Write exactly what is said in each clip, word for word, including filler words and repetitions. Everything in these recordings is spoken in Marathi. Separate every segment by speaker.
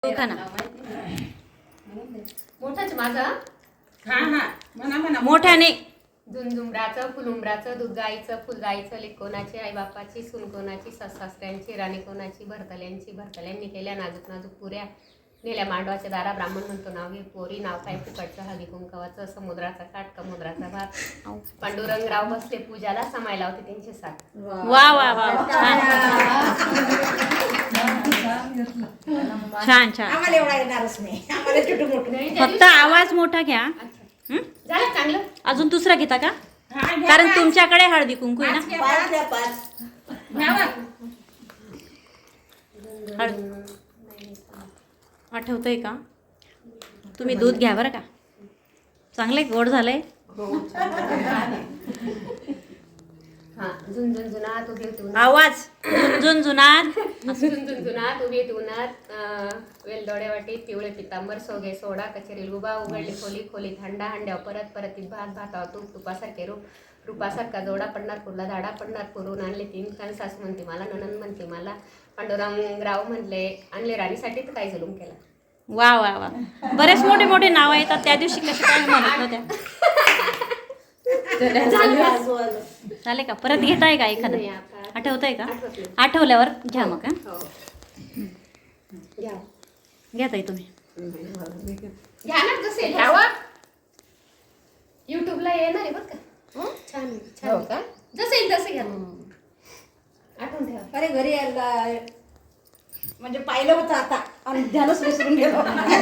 Speaker 1: खाना
Speaker 2: मोठाच माझा
Speaker 3: हा हा म्हणा म्हणा
Speaker 1: मोठ्याने
Speaker 2: झुंझुमराचं फुलुंबराचं दूध गाईचं फुल गाईचं लेक कोणाची आई बापाची सून कोणाची सासऱ्यांची राणी कोणाची भरतल्यांची भरतल्यांनी केल्या नाजूक नाजूक पुऱ्या नेल्या मांडवाच्या दारा ब्राह्मण म्हणतो नाव घे पोरी नाव काय फुकटचं हळदी कुंकवाचं समुद्राचा काठ समुद्राचा भात पांडुरंगराव बसले पूजाला समायला होते त्यांचे साथ.
Speaker 1: वा वा वा छान छान.
Speaker 3: आम्हाला एवढा येणारच नाही, आम्हाला छोटू मोठं.
Speaker 1: फक्त आवाज मोठा घ्या.
Speaker 2: झालं चांगलं.
Speaker 1: अजून दुसरा घेता का?
Speaker 3: हा, घ्या
Speaker 1: कारण
Speaker 3: पाच.
Speaker 1: तुमच्याकडे हळदी कुंकू आहे
Speaker 3: पाच
Speaker 1: ना.
Speaker 3: घ्या, पाच घ्या, पाच. घ्या बा.
Speaker 1: हळद आठवतंय का? तुम्ही दूध घ्या बरं का. चांगलंय गोड झालंय.
Speaker 2: हा झुंझुनझुनात उभी होती उन्हात.
Speaker 1: आवाज झुंझुनझुनात
Speaker 2: झुंझुनझुनात उभी होती उन्हात वेलदोड्या वाटीत पिवळे पितांबर सोगे सोडा कचेरी लुबा उघडली खोली खोलीत हंडा हंड्यावर परत परत भात भातावर तूप तुपासारखे रूप रूपासारखा जोडा पंढरपूरला धाडा पंढरपूरहून आणले तीन कान सासू म्हणते मला ननंद म्हणते मला पांडुरंगराव म्हणले आणले राणीसाठी तर काय जुलूम केला.
Speaker 1: वा वा वा. बरेच मोठे मोठे नाव येतात. त्या दिवशी कशा काय म्हणत होत्या. झाले का? परत घेताय का एखादं?
Speaker 2: नाही, आता
Speaker 1: आठवतंय का?
Speaker 2: आठवत नाही.
Speaker 1: आठवल्यावर घ्या मग. हा
Speaker 2: हो. घ्या
Speaker 1: घ्या ताई तुम्ही.
Speaker 2: घ्या ना जसे घ्यावा युट्यूबला येणार आहे बरं का. छान छान आहे का? जसं येईल तसं घ्या. आठवून ठेवा.
Speaker 3: अरे घरी यायला म्हणजे पाहिलं होतं आता आणि ध्यानच विसरून गेलो.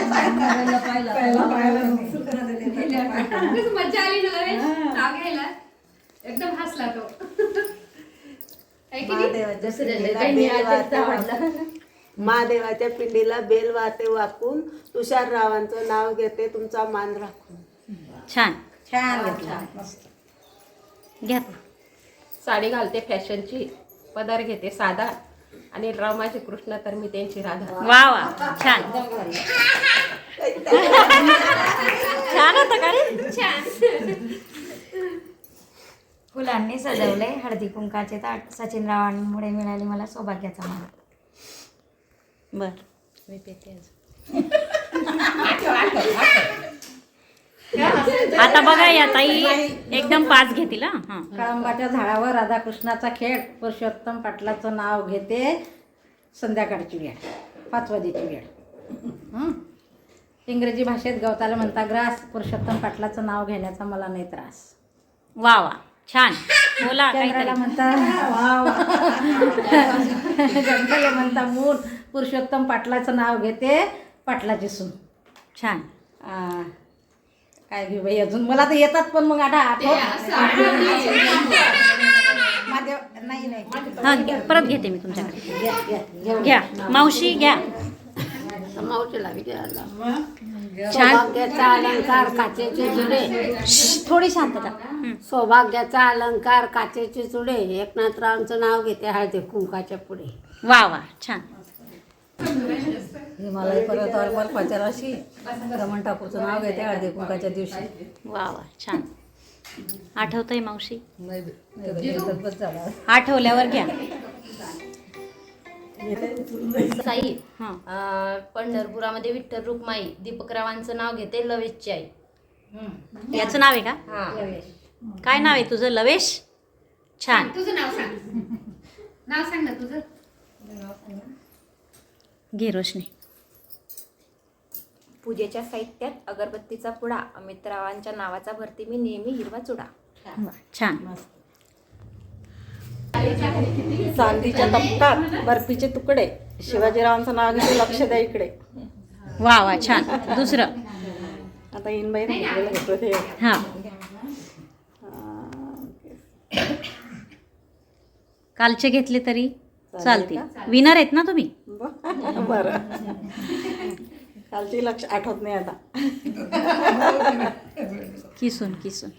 Speaker 2: कसं मजा आली ना रे नाव घ्यायला. एकदम हसला तो. आहे की नाही?
Speaker 4: महादेवाच्या
Speaker 2: जसं झालं,
Speaker 4: पिंडीला
Speaker 2: त्यांनी
Speaker 4: बेल
Speaker 2: आज
Speaker 4: वाहते
Speaker 2: आवडला.
Speaker 4: महादेवाच्या पिंडीला बेल वाहते वाकून तुषाररावांचं नाव घेते तुमचा मान राखून.
Speaker 1: छान
Speaker 3: छान घेतला मस्त.
Speaker 1: घ्या.
Speaker 2: साडी घालते फॅशनची पदार घेते साधा आणि राव माझे कृष्ण तर मी त्यांची राधा.
Speaker 1: वा वा छान छान होतं का रे?
Speaker 5: फुलांनी सजवले हळदी कुंकाचे ताट सचिनरावांमुळे मिळाली मला सौभाग्याचा मान.
Speaker 1: बर
Speaker 2: मी पेते आज.
Speaker 1: आता बघा या ताई एकदम पाच घेतील. हा हा.
Speaker 6: कळंबाच्या झाडावर राधाकृष्णाचा खेळ पुरुषोत्तम पाटलाचं नाव घेते संध्याकाळची वेळ पाचवादीची वेळ. हं? इंग्रजी भाषेत गवताला म्हणता ग्रास पुरुषोत्तम पाटलाचं नाव घेण्याचा मला नाही त्रास.
Speaker 1: वा वा छान. बोला
Speaker 6: चंद्राला
Speaker 1: काहीतरी.
Speaker 6: म्हणता वाव जंगला म्हणता मूल पुरुषोत्तम पाटलाचं नाव घेते पाटलाची सून.
Speaker 1: छान.
Speaker 6: आ, काय घेऊ बाई अजून मला तर येतात पण मग आता आठवत महादेव नाही नाही
Speaker 1: हा घ्या. परत घेते मी तुमच्याकडे.
Speaker 6: घ्या, घ्या, घेऊ.
Speaker 1: घ्या मावशी घ्या. छान.
Speaker 7: सौभाग्याचा अलंकार काचेचे जुडे.
Speaker 1: थोडी शांतता. हं.
Speaker 7: सौभाग्याचा अलंकार काचेचे चुडे एकनाथरावांचं नाव घेते हळदी कुंकाच्या पुढे.
Speaker 1: वा वा छान.
Speaker 6: हिमालय पर्वतावर बर्फाच्या राशी रमण ठाकूरचं नाव घेते हळदी कुंकाच्या दिवशी.
Speaker 1: वा वा छान. आठवतंय मावशी?
Speaker 6: बस झाला.
Speaker 1: आठवल्यावर घ्या.
Speaker 5: साई
Speaker 1: हां
Speaker 5: अं, पंढरपुरामध्ये विठ्ठल रुक्माई दीपकरावांचं नाव घेते लवेशची आई.
Speaker 1: याचं नाव आहे का?
Speaker 5: हा
Speaker 1: काय नाव आहे तुझं? लवेश. छान.
Speaker 2: तुझं नाव सांग. नाव सांग ना तुझं.
Speaker 1: घे रोशनी.
Speaker 8: पूजेच्या साहित्यात अगरबत्तीचा पुडा अमितरावांच्या नावाचा भरती मी नेहमी हिरवा चुडा.
Speaker 1: वा, छान.
Speaker 4: चांदीच्या तपटात बर्फीचे तुकडे शिवाजीरावांचं नाव घेते लक्ष द्या इकडे.
Speaker 1: वा वा छान. दुसरं.
Speaker 4: आता इन बाई राहिलेलं घेतो ते.
Speaker 1: हां कालचे घेतले तरी चालतील. विनर आहेत ना तुम्ही?
Speaker 4: बरं कालची लक्ष आठवत नाही आता.
Speaker 1: किसून किसून.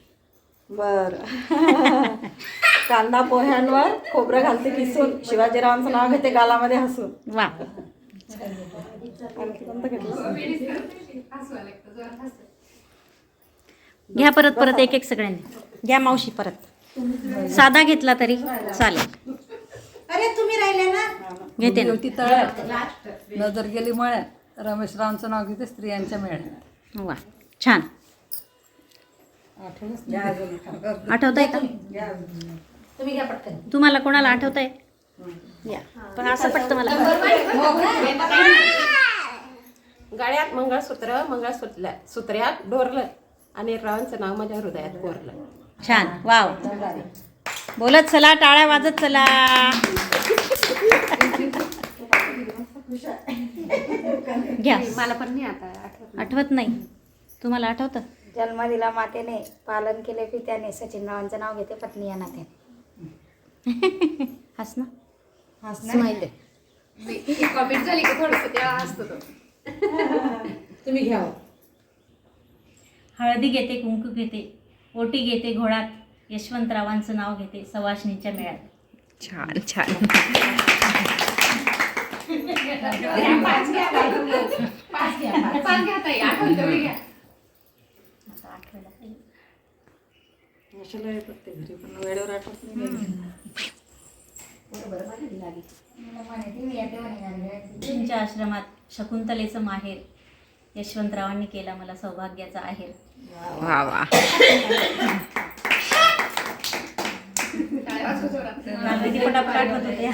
Speaker 4: बरं कांदा पोह्यांवर खोबरं घालते किसून शिवाजीरावांचं नाव घेते गालामध्ये हसून.
Speaker 1: वा
Speaker 4: आणखी कोणतं घेतलं?
Speaker 1: घ्या परत परत एक एक सगळ्यांनी घ्या. मावशी परत साधा घेतला तरी चालेल.
Speaker 3: अरे तुम्ही राहिले ना
Speaker 1: घेते ना.
Speaker 6: तळ्यात नजर गेली मळ्यात
Speaker 9: रमेशरावांचं नाव घेते स्त्रियांच्या मेळ्यात.
Speaker 1: वा छान. आठवत आहे का
Speaker 6: तुम्ही घ्या पटकन.
Speaker 1: तुम्हाला कोणाला आठवत आहे? या पण असं पटतं मला.
Speaker 10: गळ्यात मंगळसूत्र मंगळसूत्र सूत्र्यात डोरलं आणि रावांचं नाव माझ्या हृदयात कोरलं.
Speaker 1: छान. वाव. बोलत चला, टाळ्या वाजत चला. घ्या.
Speaker 2: मला पण नाही आता आठवत.
Speaker 1: आठवत नाही. तुम्हाला आठवतं?
Speaker 5: जन्म दिला मातेने, पालन केले पित्याने, सचिनरावांचं नाव घेते पत्नी या नात्याने.
Speaker 1: हस ना.
Speaker 5: स्माईल.
Speaker 2: कॉमेंट झाली की थोडंसं तेव्हा असतो तो.
Speaker 6: तुम्ही घ्या.
Speaker 1: हळदी घेते, कुंकू घेते, ओटी घेते घोळात, यशवंतरावांचं नाव घेते सवाष्णीच्या मेळ्यात.
Speaker 8: छान छान.
Speaker 2: पाच घ्या पाच घ्या पाच घ्या ताई. आठवण तेवढी घ्या.
Speaker 1: आता आठवायला पाहिजे.
Speaker 9: अशाला येतात ते घरी पण वेळेवर आठवत नाही.
Speaker 1: तुमच्या आश्रमात शकुंतलेचं माहेर, यशवंतरावांनी केला मला सौभाग्याचा आहेर.
Speaker 8: वा वा.
Speaker 1: मला किती पटापट आठवत होते.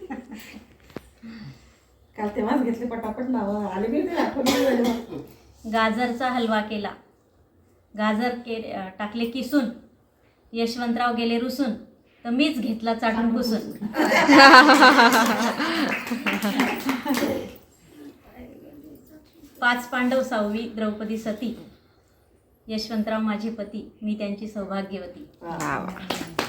Speaker 9: काल तेव्हाच घेतले पटापट नावं आले मी ते आठवण.
Speaker 1: गाजरचा हलवा केला, गाजर के टाकले किसून, यशवंतराव गेले रुसून, तर मीच घेतला चाटून पुसून. पाच पांडव सहावी द्रौपदी सती, यशवंतराव माझे पती, मी त्यांची सौभाग्यवती.
Speaker 8: वा वा.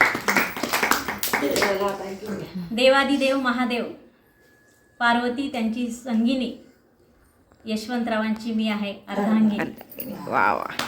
Speaker 1: देवादिदेव महादेव, पार्वती त्यांची संगिनी, यशवंतरावांची मी आहे अर्धांगिनी.
Speaker 8: वा वा.